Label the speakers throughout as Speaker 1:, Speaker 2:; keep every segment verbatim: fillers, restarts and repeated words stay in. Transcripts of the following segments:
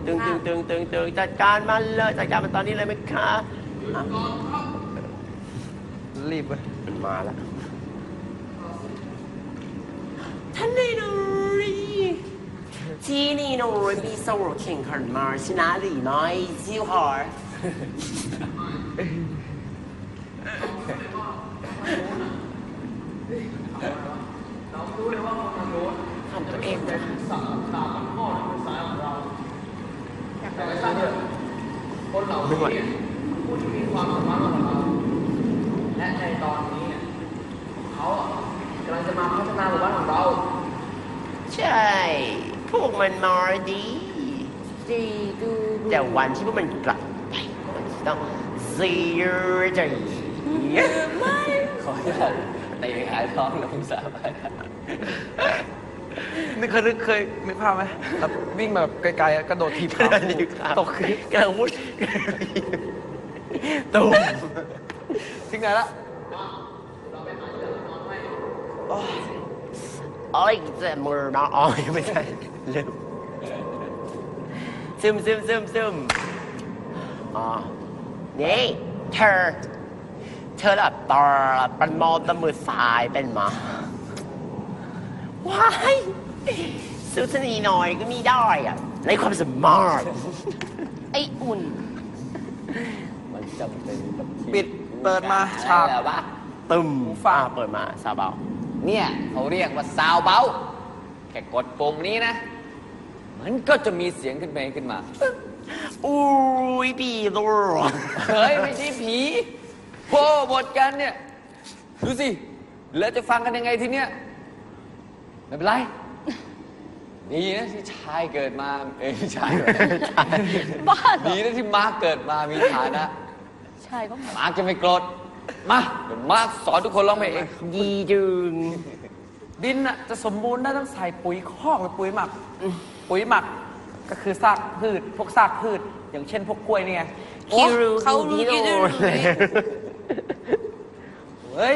Speaker 1: ตึงตึงตึงตึงตึงจัดการมันเลยจัดการมันตอนนี้เลยไหมคะ
Speaker 2: รีบเลย
Speaker 1: มันมาแล้วท่านนายน้อยที่นี่น้อยมีโซ่แข่งขันมาชนะหรือไม่ซิวฮาร์
Speaker 3: เรารู้เลยว่ามันโดน
Speaker 1: ทำตัวเองนะ
Speaker 3: สามสามข้อในสายของเราแต่ไม่ใช่เนี่ยคนเหล่านี้ผู้ที่มีความสามารถกว่าเราและในตอนนี้เขากำลังจะมาพัฒนาหมู่บ้านของเรา
Speaker 1: ใช่พวกมันมาดีดีดูแต่วันที่พวกมันกลับไปมันต้องเสียใจไม่
Speaker 2: ขอให้เตะหายท้องแล้วผมสาบานนึกเคยนึกเคยนึกภาพไหมแบบวิ่งแบบไกลๆกระโดดทีบขาตกขึ้น
Speaker 1: กระวุ้นตุ้ม
Speaker 2: ถึงไหนละ
Speaker 1: โอ้ยเจ็บมือน้องอ๋อไม่ใช่ลืมซึมซึมซึมซึมอ๋อนี่เธอเธอแบบตอเป็นมอตมือสายเป็นมาว้ายสู้ชนีหน่อยก็มีได้อะในความสามารถไอ้อุ่น
Speaker 2: มันจำเป็น
Speaker 1: ปิดเปิดมา
Speaker 2: ฉากแล้วปะ
Speaker 1: ตึมฟ้าเปิดมาซาเบา
Speaker 2: เนี่ยเขาเรียกว่าซาวเบาแค่กดปุ่มนี้นะมันก็จะมีเสียงขึ้นไปขึ้นมา
Speaker 1: อุ้ยผีตัว
Speaker 2: เฮ้ยไม่ใช่ผีโพ่บทกันเนี่ยดูสิแล้วจะฟังกันยังไงทีเนี้ยไม่เป็นไรดีนะที่ชายเกิดมาเอ้ยชาย
Speaker 4: บ้า
Speaker 2: ดีนะที่มาร์กเกิดมามีฐานะ
Speaker 4: ชายก็
Speaker 2: มาร์กจะไม่โกรธมาเดี๋ยวมาร์กสอนทุกคนร้องเพลงเอง
Speaker 1: ดีจึง
Speaker 5: ดินน่ะจะสมบูรณ์ได้ต้องใส่ปุ๋ยคอกหรือปุ๋ยหมักปุ๋ยหมักก็คือซากพืชพวกซากพืชอย่างเช่นพวกกล้วยนี่ไง
Speaker 1: คิรู
Speaker 4: เขารู้ดีเลย
Speaker 5: เฮ้ย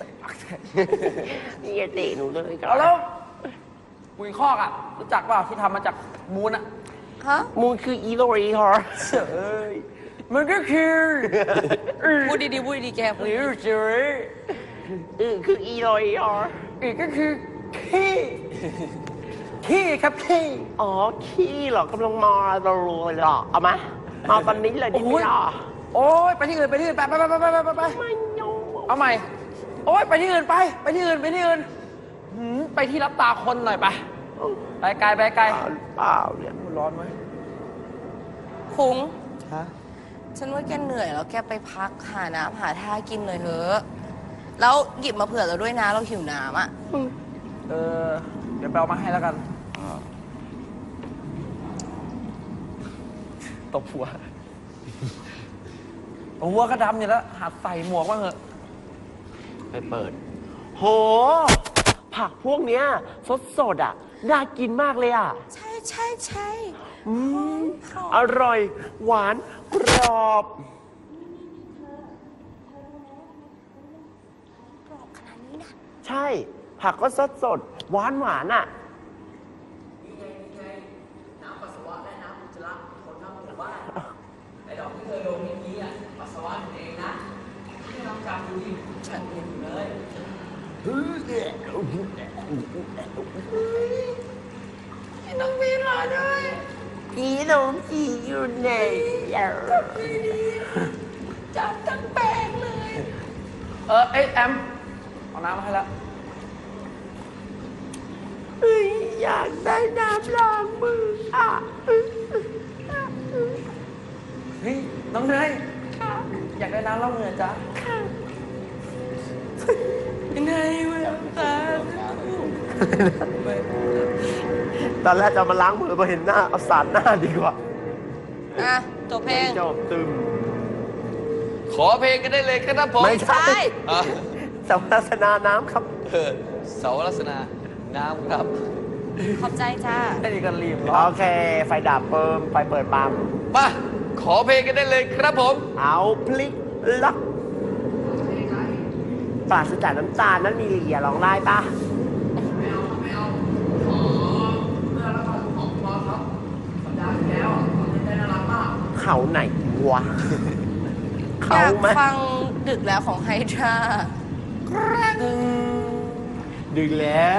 Speaker 1: นี่จะเตะหนูเลย
Speaker 5: เอาแล้วปุ๋ยคอกอ่ะรู้จักเปล่าที่ทำมาจากมูลอ่ะ
Speaker 4: ฮะ
Speaker 1: มูลคืออีโรอีฮอร์
Speaker 5: เอ้ยมันก็คือ
Speaker 4: พูดดีๆพูดดีๆแกพูดดี
Speaker 5: ๆเจ๋อ
Speaker 1: เออคืออีโรอีฮอร์
Speaker 5: อีกก็คือขี้ขี้ครับขี้
Speaker 1: อ๋อขี้เหรอกำลังมาเราเลยหรอเอามามาตอนนี้เลยดิพี่หรอ
Speaker 5: โอ้ยไปที่อื่นไปที่อื่นไปไปไปไปไปไปไป
Speaker 1: ไม่ยอม
Speaker 5: เอาใหม่โอ้ยไปที่อื่นไปไปที่อื่นไปที่อื่นไปที่รับตาคนหน่อยไปไปไกลไปไกล
Speaker 1: เปล่าเนี่ย
Speaker 5: มันร้อนไหม
Speaker 4: คุ้ง
Speaker 5: ฮะ
Speaker 4: ฉันว่าแกเหนื่อยแล้วแกไปพักหาน้ำหาท่ากินหน่อยเถอะแล้วหยิบมาเผื่อเราด้วยนะเราหิวน้ำอ่ะ
Speaker 5: เออเดี๋ยวไปเอามาให้แล้วกันตบหัวหัวก็ดำอยู่แล้วหัดใส่หมวกบ้างเหอะ
Speaker 1: ไปเปิดโหผักพวกเนี้ยสดสดอ่ะน่ากินมากเลยอ่ะ
Speaker 4: ใช่ใช่ใช่
Speaker 1: อืมอร่อยหวานกรอบ
Speaker 4: กรอบขนาดนี้นะ
Speaker 1: ใช่ผักก็สดสดหวานหวานอ่ะ
Speaker 3: นี่ไงนี่ไงน้ำปัสสาวะและน้ำอุจจาระคนทั้งหมู่บ้านไอ้ดอกที่เธอโดนเมื่อกี้อ่ะปัสสาวะเองนะที่ลองจำดูดิฉันเห็นอยู่เลย
Speaker 4: พี่น้องพี่รอด้วย
Speaker 1: พี่น้องพี่อยู่ไหน
Speaker 4: ก็พี่จับทั้งแปลงเลย
Speaker 5: เออเอ้ยแอมเอาน้ำมาให้แล้ว
Speaker 1: เฮ้ยอยากได้น้ำล้างมืออ่ะ
Speaker 5: เฮ้ยน้องเนยอยากได้น้ำล้างมือจ้ะ
Speaker 4: ค่ะยังไงวะตา
Speaker 1: ตอนแรกจะมาล้างมือพอเห็นหน้าเอาสาดหน้าดีกว่า
Speaker 4: อ่ะจบเพลง
Speaker 1: จบตึม
Speaker 2: ขอเพลงกันได้เลยครับผม
Speaker 1: ไม่ใช่สาวรัศนาน้ำครับ
Speaker 2: สาวรัศนาน้ำครับ
Speaker 4: ขอบใจจ้า
Speaker 5: ไอ้นี่ก็รีบ
Speaker 1: โอเคไฟดับเปิมไฟเปิดปั๊ม
Speaker 2: มาขอเพลงกันได้เลยครับผม
Speaker 1: เอาพลิกล็อกปราศจากน้ำตาลนั้นมีเหลี่ยร้องได้ปะ
Speaker 3: ไม่เอาไม่เอาขอเพื่อรับฟังของบอสครับสัปดาห์ที่แล้ว
Speaker 1: เขาไหนวะ
Speaker 4: อ
Speaker 1: เขา
Speaker 4: ยาก
Speaker 1: ไหม
Speaker 4: ฟังดึกแล้วของไฮดรา
Speaker 1: ดึงแล้ว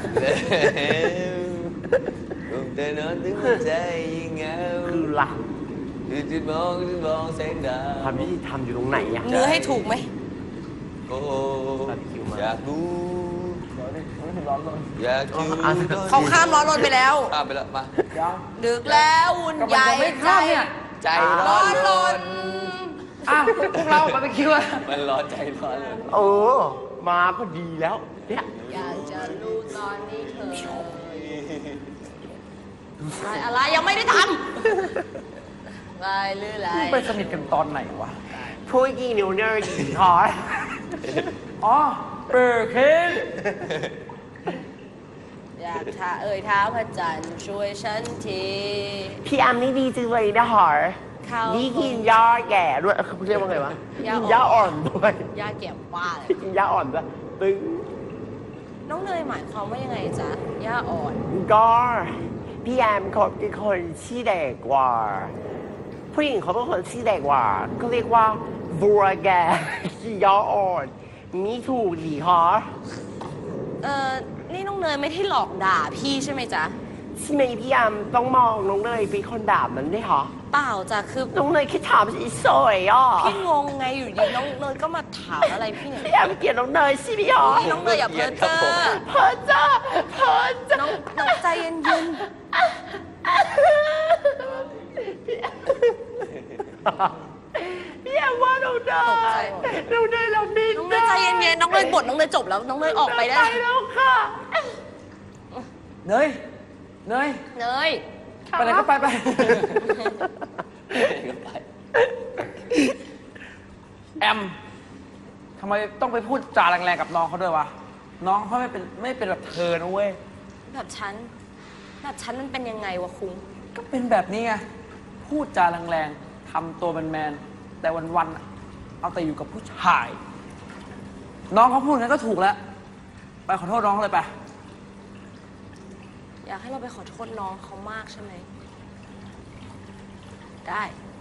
Speaker 2: ผมจะนอนถึงหัวใจยิ่งเหงา
Speaker 1: คือหลัก
Speaker 2: คือจุดมองจุดมองแสงดาว
Speaker 1: ความยุติธรรมอยู่ตรงไหนอะ
Speaker 4: เนื้อให้ถูกไหม
Speaker 2: โอ้
Speaker 1: บาร์บีคิวมา
Speaker 2: อยากรู้อยากอยู่
Speaker 1: อ่ะ
Speaker 4: เขาข้ามร้อนรนไปแล้ว
Speaker 2: ข้ามไปแล้วมา
Speaker 4: ดึกแล้วอุ่น
Speaker 5: ก็
Speaker 4: ให
Speaker 5: มัน
Speaker 4: ญ่
Speaker 5: ยังไม่
Speaker 4: ใจ
Speaker 5: ข้ามเนี่ย
Speaker 2: ใจ
Speaker 4: ร้
Speaker 2: ร้
Speaker 4: อ
Speaker 2: อน น
Speaker 4: ร
Speaker 2: ร
Speaker 4: น
Speaker 2: น
Speaker 5: อ้าวพวกเราบาร์บีคิวอะ
Speaker 2: มันร้อนใจร้อนเลย
Speaker 1: เออ มาก็ดีแล้วเนี่ย
Speaker 4: อยากจะรู้ตอนนี้เธออะไรอะไรยังไม่ได้ทำลายหรือไร
Speaker 5: ไปสนิทกันตอนไหนวะ
Speaker 1: ผู้หญิงนิวเนอร์หญิงคอย
Speaker 5: อ๋อเบอร์เคน
Speaker 4: อยากท้าเอ่ยเท้าพระจันทร์ช่วยฉันที
Speaker 1: พี่แอมนี่ดีจังเลยนะหอ
Speaker 4: เขา
Speaker 1: นี่กินยาแก่ด้วยเขาเรียกว่าไงวะ
Speaker 4: ยาอ่อน
Speaker 1: กินยาอ่อนด้วย
Speaker 4: ยาเก็บว่าเลย
Speaker 1: กินยาอ่อนด้วยตึง
Speaker 4: น้องเนยหมายความว่ายังไงจ๊ะย่าอ่อน
Speaker 1: ก็พี่แอมเขาเป็นคนที่เด็กกว่า ผู้หญิงเขาเป็นคนที่เด็กกว่า ก็เรียกว่าบัวแก่กินยาอ่อนมีถูกดีฮะ
Speaker 4: เออนี่น้องเนยไม่ได้หลอกด่าพี่ใช่ไหมจ๊ะ
Speaker 1: ใช่ไหมพี่แอมต้องมองน้องเนยเป็นคนด่ามันด้วยเหรอ
Speaker 4: เปล่าจ้ะคือ
Speaker 1: น้องเนยแค่ถามเฉยๆอ่ะ
Speaker 4: พี่งงไงอยู่ดีน้องเนยก็มาถามอะไรพี่เนี่ย
Speaker 1: พี่แอมเกลียดน้องเนยใช่ไหมหรอ
Speaker 4: นี่น้องเนยอย่าเพ้อเจ้อ
Speaker 1: เพอจ้าเพอจ้า
Speaker 4: น้องน้องใจเย็น
Speaker 1: พี่แอมว่าน้องเนยน้องเนยเราบิน
Speaker 4: ๆน้องเนยใจเย็นๆน้องเนยบทน้องเนยจบแล้วน้องเนยออกไปได้
Speaker 1: ไปแล้วค่ะ
Speaker 5: เนย เนย
Speaker 4: เนย
Speaker 5: ไปไหนก็ไปไป
Speaker 2: ก็ไป
Speaker 5: แอมทำไมต้องไปพูดจาแรงๆกับน้องเขาด้วยวะ น้องเขาไม่เป็นไม่เป็นแบบเธอนะเว้ย
Speaker 4: แบบฉันแบบฉันมันเป็นยังไงวะคุ้ง
Speaker 5: ก็เป็นแบบนี้ไง พูดจาแรงๆทำตัวเป็นแมนๆแต่วันๆอะเอาแต่อยู่กับผู้ชาย น้องเขาพูดงั้นก็ถูกแล้ว ไปขอโทษน้องเลยไป
Speaker 4: อยากให้เราไปขอโทษน้องเขามากใช่ไหมได้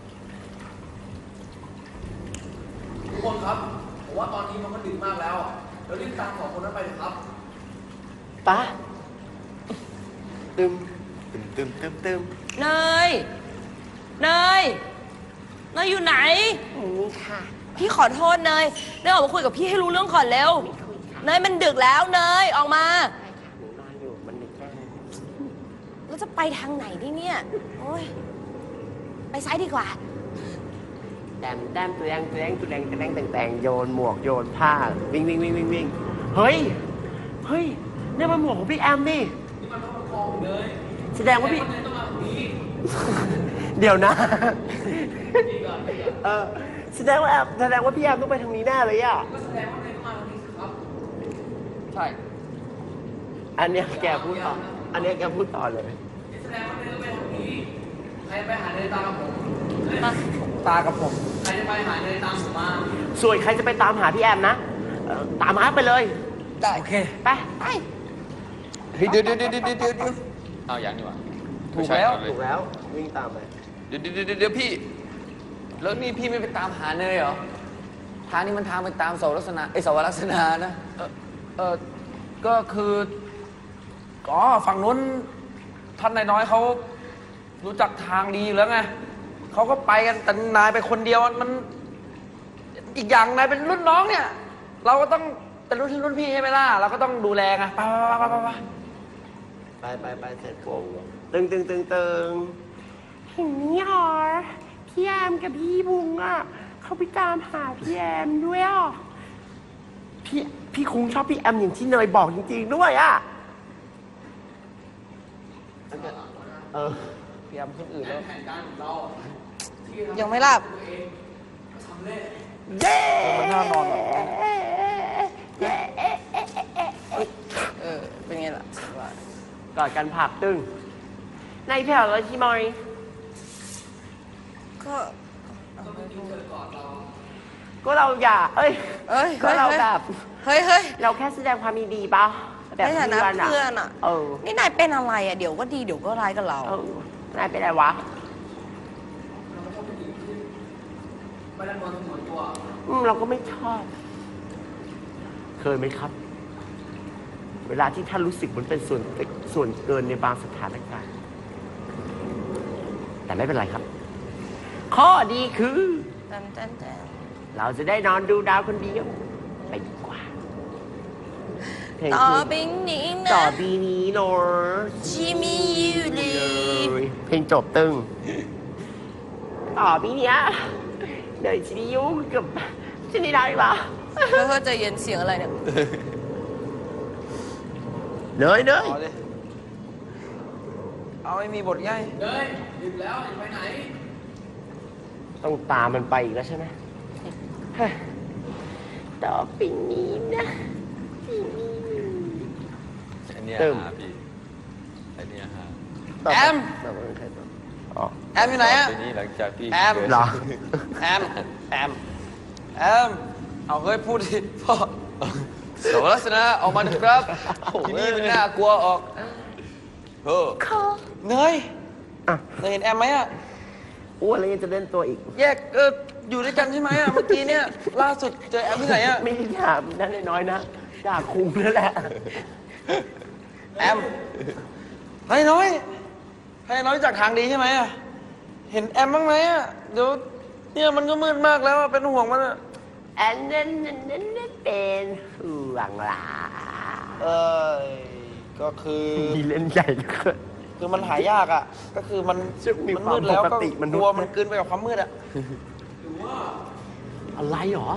Speaker 3: ทุกคนครับ ผมว่าตอนนี้มันก็ดึกมากแล้วอะเดี๋ยวรีบตามสองคนนั้นไปเลยครับ
Speaker 1: ปะตึมตึมตึมตึมตึม
Speaker 4: เนย เนย เนยอยู่ไหน
Speaker 1: นี่ค่ะ
Speaker 4: พี่ขอโทษเนยเนยออกมาคุยกับพี่ให้รู้เรื่องก่อนเร็ว เนยมันดึกแล้วเนยออกมา
Speaker 1: ใช่ค่ะหนูนอนอยู่มันดึกมาก
Speaker 4: แล้วจะไปทางไหนดิเนี่ย โอ้ย ไปซ้ายดีกว่า
Speaker 1: แดมแดมตัวแดงตัวแดงตัวแดงตัวแดงแต่งแต่งโยนหมวกโยนผ้าวิ่งวิ่งวิ่งวิ่งวิ่งเฮ้ย เฮ้ยนี่มันหมวกของพี่แอมนี่
Speaker 3: นี่มันต้องประคองเลย
Speaker 1: แสดงว่าพี่
Speaker 3: แต่คนไหนต้องมาแบบนี้
Speaker 1: เดี๋ยวนะ
Speaker 3: ดีก่อนดีก่อน
Speaker 1: เออแสดงว่าแอมแสดงว่าพี่แอมต้องไปทางนี้แน่เลยอ่ะ
Speaker 3: ก็แสดงว่าไหนต้องมาแบบนี้สิครับ
Speaker 5: ใช่
Speaker 1: อันเนี้ยแกพูดต่อ อันเนี้ยแกพูดต่อเลย
Speaker 3: นี่แสดงว่าไหนต้องไปทางนี้ ใครไปหาเนยตามกับผมเฮ้ย
Speaker 5: ตากับผม
Speaker 3: ใครจะไปหาเนยตามผมมา
Speaker 1: ส่วนใครจะไปตามหาพี่แอมนะเอ่อตามหาไปเลย
Speaker 5: โอเค
Speaker 1: ไป ไป
Speaker 2: เฮ้ยเดี๋ยวเดี๋ยวเดี๋ยวเดี๋ยวเดี๋ยวเดี๋ยวเอาอย่างนี้วะ
Speaker 5: ถูกแล้ว
Speaker 1: ถูกแล้ว วิ่งตามไป
Speaker 2: เดี๋ยวเดี๋ยวเดี๋ยวเดี๋ยวพี่ แล้วนี่พี่ไม่ไปตามหาเนยเหรอ ทางนี้มันทางไปตามเสาลักษณะไอยเสาวลักษณะนะ
Speaker 5: เออเออก็คืออ๋อฝั่งนู้นท่านนายน้อยเขารู้จักทางดีอยู่แล้วไงเขาก็ไปกันแต่นายไปคนเดียวมัน อีกอย่างนายเป็นรุ่นน้องเนี่ย เราก็ต้องเป็นรุ่นรุ่นพี่ใช่ไหมล่ะเราก็ต้องดูแลไงไปไปไปไปไป
Speaker 1: ไปไปไปเสร็จปุ๊บตึงตึงตึงตึงเห็นนี่หรอพี่แอมกับพี่บุงอ่ะ เขาไปตามหาพี่แอมด้วยอ่ะ พี่พี่คงชอบพี่แอมอย่างที่เนยบอกจริงๆด้วยอ่ะ เออ
Speaker 5: พยายามคนอื่นแล้ว
Speaker 3: แผนการของเราอะที่ทำ
Speaker 4: ยังไม่หลับ
Speaker 3: ตัวเองก็สำเร็จ
Speaker 1: เย้
Speaker 5: มันน่านอนเหรอ
Speaker 1: เย้
Speaker 4: เออ เป็นไงล่ะ
Speaker 1: กอดกันผักตึงในแถวแล้วที่มอย
Speaker 4: ก็
Speaker 1: ก็เราอย่า เอ้ย
Speaker 4: เอ้ย
Speaker 1: ก็เราแบบ
Speaker 4: เฮ้ยเฮ้ย
Speaker 1: เราแค่แสดงความยินดีปะแบบ
Speaker 4: ในฐานะเพื่อนอะ
Speaker 1: เออ
Speaker 4: นี่นายเป็นอะไรอ่ะ เดี๋ยวก็ดีเดี๋ยวก็ร้ายกับเรา
Speaker 1: เออนายเป็นอะไรวะ
Speaker 3: ไม่ได้ตัวสมุนตัว
Speaker 1: อืมเราก็ไม่ชอบ เคยไหมครับ เวลาที่ท่านรู้สึกมันเป็นส่วนส่วนเกินในบางสถานการณ์ แต่ไม่เป็นไรครับ ข้อดีคือ
Speaker 4: จันจันจัน
Speaker 1: เราจะได้นอนดูดาวคนเดียวไปดีกว่าเพลง
Speaker 4: ต่อ
Speaker 1: คือ
Speaker 4: ไปนี้
Speaker 1: ต่อ
Speaker 4: นะ
Speaker 1: บีนี้เนอะ
Speaker 4: ชิมิยูริ
Speaker 1: เลยเพลงจบตึง ต่อบีเนี้ยเดี๋ยวชินิยุกับชินิดาอีกเหรอ
Speaker 4: เพื่อจะเย็นเสียงอะไรเนี่ย
Speaker 1: เนยเนย
Speaker 5: เอาดิเอาไม่มีบทง่าย
Speaker 3: เฮ้ยหยุดแล้วไปไหน
Speaker 1: ต้องตามมันไปอีกแล้วใช่ไหมเฮ้ยต่อไปนี้นะที่นี่
Speaker 2: อันเนี้ย
Speaker 1: เติม
Speaker 2: หาพี่อันเนี้ยหา
Speaker 1: ต่ไป
Speaker 5: แอม
Speaker 1: ต่อไปใครต่ออ๋อ
Speaker 5: แอมอยู่ไหนอะ
Speaker 2: ทีนี้หลังจากพี่
Speaker 5: แอม
Speaker 2: เกิด
Speaker 1: เหรอ
Speaker 5: แอม แอม แอม เอาเฮ้ยพูดดิพ่อสวรัสนะออกมาเถอะครับที่นี่มันน่ากลัวออกเออเนย
Speaker 1: อ่ะ
Speaker 5: เนยเห็นแอมไหมอะ
Speaker 1: อ้วนแล้วยังจะเล่นตัวอีก
Speaker 5: แยกเอออยู่ด้วยกันใช่ไหมอะเมื่อกี้เนี่ยล่าสุดเจอแอมที่ไหนอะ
Speaker 1: ไม่ได้ด่านั่นน้อยๆนะด่าคุมแล้วแหละ
Speaker 5: แอมให้น้อยให้น้อยจากทางดีใช่ไหมอะเห็นแอมบ้างไหมอะเดี๋ยวเนี่ยมันก็มืดมากแล้วอะเป็นห่วงมันอะ
Speaker 1: อันนั้นนั้นนั้นเป็นห่วงหลา
Speaker 5: เออก็คือ
Speaker 1: มีเล่นใหญ่เหลย
Speaker 5: คือมันหายากอ่ะ ก็คือมัน
Speaker 1: ซึ่งมี
Speaker 5: มันมืดแล้ว
Speaker 1: ความป
Speaker 5: ก็
Speaker 1: กติมนุษย์
Speaker 5: กลัวมันกลืนไปกับความมืดอ่ะ
Speaker 1: อะไรหรอ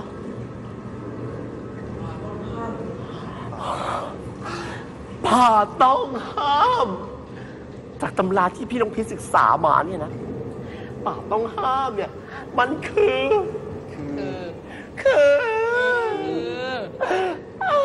Speaker 1: ผ่าต้องห้าม จากตำราที่พี่น้องพิษศึกษามาเนี่ยนะป่าต้องห้ามเนี่ย มันคือ
Speaker 4: คือ
Speaker 1: คือ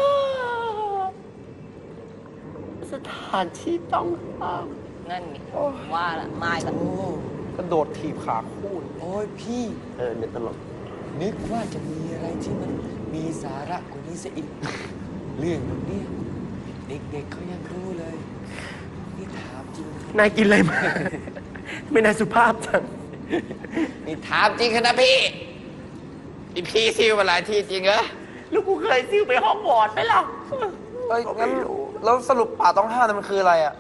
Speaker 1: สถานที่ต้องห้าม
Speaker 4: นั่นไงว่าละมาอีกแล้ว
Speaker 5: กระโดดถีบขาคู่เลย
Speaker 2: โอ้ยพี่
Speaker 1: เออเนี่ยตลก
Speaker 2: นึกว่าจะมีอะไรที่มันมีสาระกว่านี้ซะอีก เรื่องแบบเนี้ยเด็กๆเขายังรู้เลย นี่ถามจริง
Speaker 1: นายกินอะไรมา ไม่นายสุภาพจัง
Speaker 2: นี่ถามจริงนะพี่นี่พี่ซิวมาหลายที่จริงเหรอ
Speaker 1: ลูกกูเคยซิ่วไปห้องวอร์ดไหมล่ะ
Speaker 5: เอ้ยงั้นแล้วสรุปป่าต้องห้ามเนี่ยมันคืออะไรอ่ะ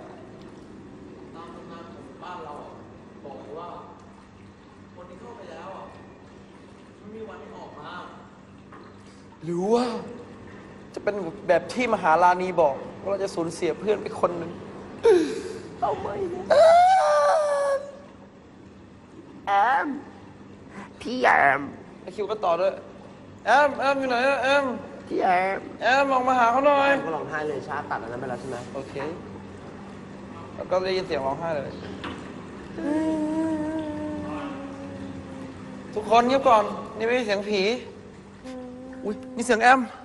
Speaker 5: หรือว่า จะเป็นแบบที่มหาลานีบอกว่าเราจะสูญเสียเพื่อนไปคนหนึ่ง
Speaker 1: เอาไม่นะแอม พี่แอม
Speaker 5: ไอคิวก็ต่อด้วย แอม แอมอยู่ไหนอะแอม
Speaker 1: พี่แอม
Speaker 5: แอมออกมาหาเขาหน่อย
Speaker 1: ก็ร้องไห้เลยชาตัดอันนั้นไปแล้วใช่ไหม
Speaker 5: โอเค แล้วก็ได้ยินเสียงร้องไห้เลย ทุกคนเงียบก่อน นี่ไม่ใช่เสียงผี อุ้ยนี่เสียงแอม